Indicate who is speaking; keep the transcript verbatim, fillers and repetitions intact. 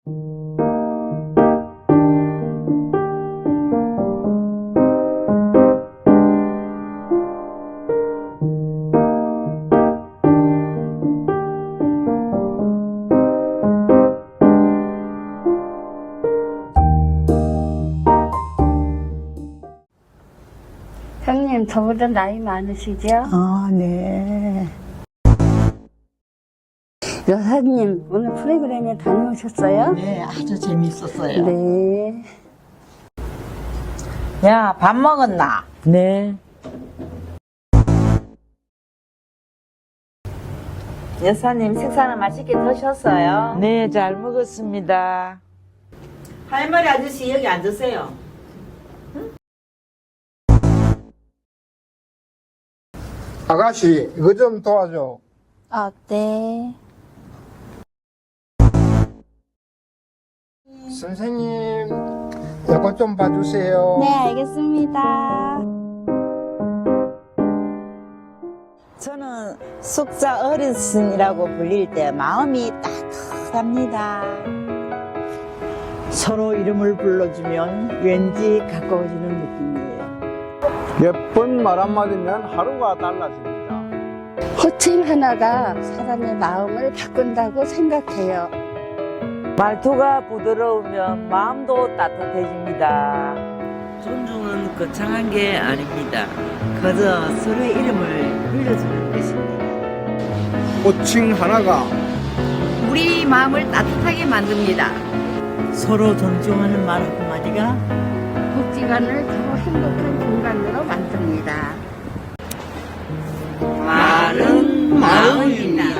Speaker 1: 형님, 저보다 나이 많으시죠?
Speaker 2: 아, 네.
Speaker 1: 여사님, 오늘 프로그램에 다녀오셨어요?
Speaker 2: 네, 아주 재밌었어요.
Speaker 1: 네.
Speaker 2: 야, 밥 먹었나?
Speaker 3: 네.
Speaker 2: 여사님, 식사는 맛있게 드셨어요?
Speaker 3: 네, 잘 먹었습니다.
Speaker 2: 할머니 아저씨 여기 앉으세요.
Speaker 4: 아가씨, 이거 좀 도와줘.
Speaker 1: 아, 네.
Speaker 4: 선생님, 이거 좀 봐주세요.
Speaker 1: 네, 알겠습니다.
Speaker 2: 저는 숙자 어르신이라고 불릴 때 마음이 따뜻합니다.
Speaker 5: 서로 이름을 불러주면 왠지 가까워지는 느낌이에요.
Speaker 4: 예쁜 말 한마디면 하루가 달라집니다.
Speaker 1: 호칭 하나가 사람의 마음을 바꾼다고 생각해요.
Speaker 3: 말투가 부드러우면 마음도 따뜻해집니다. 존중은 거창한 게 아닙니다. 그저 서로의 이름을 불러주는 것입니다.
Speaker 4: 호칭 하나가
Speaker 6: 우리 마음을 따뜻하게 만듭니다.
Speaker 5: 서로 존중하는 말 한마디가
Speaker 1: 복지관을 더 행복한 공간으로 만듭니다.
Speaker 6: 말은 마음입니다.